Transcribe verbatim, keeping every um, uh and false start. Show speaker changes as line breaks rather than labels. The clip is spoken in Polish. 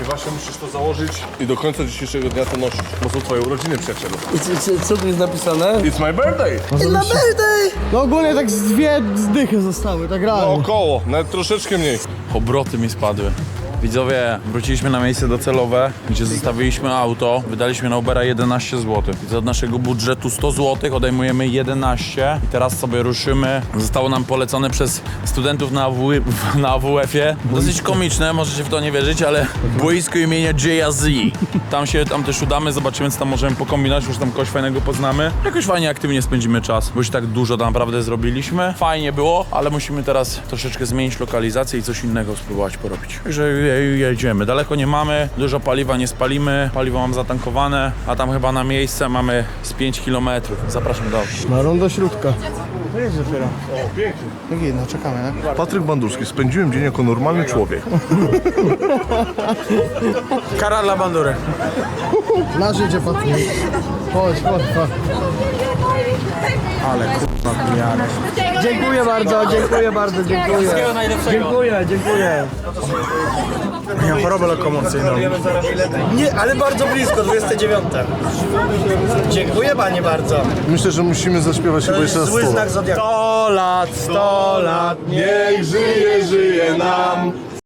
właśnie musisz to założyć i do końca dzisiejszego dnia to nosić, bo są twoje urodziny, przyjacielu.
Co, co tu jest napisane?
It's my birthday!
It's my birthday! No ogólnie tak z dwie zdychy zostały, tak
No
realnie.
około, nawet troszeczkę mniej.
Obroty mi spadły. Widzowie, wróciliśmy na miejsce docelowe, gdzie zostawiliśmy auto, wydaliśmy na Ubera jedenaście złotych. I od naszego budżetu sto złotych odejmujemy jedenaście i teraz sobie ruszymy. Zostało nam polecone przez studentów na, AW, na A W F-ie. Dosyć komiczne, możecie w to nie wierzyć, ale boisko imienia J Z. Tam się tam też udamy, zobaczymy, co tam możemy pokombinować, już tam kogoś fajnego poznamy. Jakoś fajnie, aktywnie spędzimy czas, bo już tak dużo naprawdę zrobiliśmy. Fajnie było, ale musimy teraz troszeczkę zmienić lokalizację i coś innego spróbować porobić. Także jedziemy. Daleko nie mamy, dużo paliwa nie spalimy, paliwo mam zatankowane, a tam chyba na miejsce mamy z pięć kilometrów. Zapraszam do auta.
Na rondo śródka.
To jest dopiero.
O, pięknie.
Jak jedno, czekamy, tak?
Patryk Bandurski, spędziłem dzień jako normalny człowiek.
Kara dla bandury.
Nasz jedzie Patryk. Chodź, chodź, chodź.
Ale kurwa pijany.
Dziękuję bardzo, dziękuję bardzo, dziękuję.
Wszystkiego najlepszego.
Dziękuję, dziękuję.
Miałem chorobę lokomocyjną.
Nie, ale bardzo blisko, dwudzieste dziewiąte. Dziękuję panie bardzo.
Myślę, że musimy zaśpiewać chyba jeszcze raz sto lat.
zodiaku. sto lat, sto lat.
Niech żyje, żyje nam